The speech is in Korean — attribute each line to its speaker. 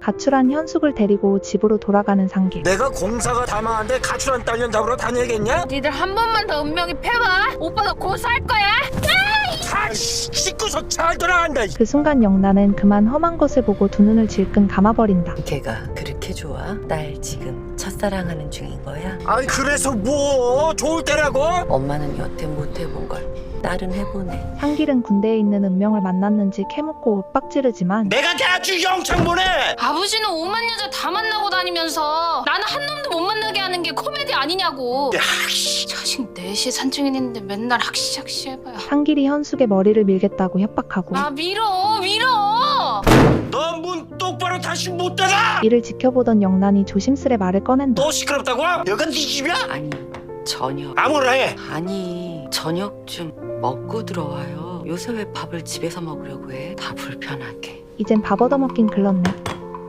Speaker 1: 가출한 현숙을 데리고 집으로 돌아가는 상길.
Speaker 2: 내가 공사가 다 망한데 가출한 딸년 잡으러 다녀야겠냐?
Speaker 3: 니들 한 번만 더 운명이 펴봐. 오빠가 고소할 거야.
Speaker 2: 씻고서 잘 돌아간다.
Speaker 1: 그 순간 영란은 그만 험한 것을 보고 두 눈을 질끈 감아버린다.
Speaker 4: 걔가 그렇게 좋아? 딸 지금 첫사랑하는 중인 거야?
Speaker 2: 아니 그래서 뭐 좋을 때라고?
Speaker 4: 엄마는 여태 못 해본 걸 딸은 해보네.
Speaker 1: 상길은 군대에 있는 은명을 만났는지 캐묻고 윽박지르지만
Speaker 2: 내가 대학주 영창 보내.
Speaker 3: 아버지는 5만 여자 다 만나고 다니면서 나는 한 놈도 못 만나게 하는 게 코미디 아니냐고. 자식 넷이 산증인인데 맨날 학시 해봐요.
Speaker 1: 상길이 현숙의 머리를 밀겠다고 협박하고
Speaker 3: 아 밀어.
Speaker 2: 너 문 똑바로 다시 못 닫아.
Speaker 1: 이를 지켜보던 영란이 조심스레 말을 꺼낸다.
Speaker 2: 너 시끄럽다고? 여긴 네 집이야?
Speaker 4: 아니 저녁
Speaker 2: 아무나 해.
Speaker 4: 아니 저녁 좀 먹고 들어와요. 요새 왜 밥을 집에서 먹으려고 해? 다 불편하게.
Speaker 1: 이젠 밥 얻어먹긴 글렀네.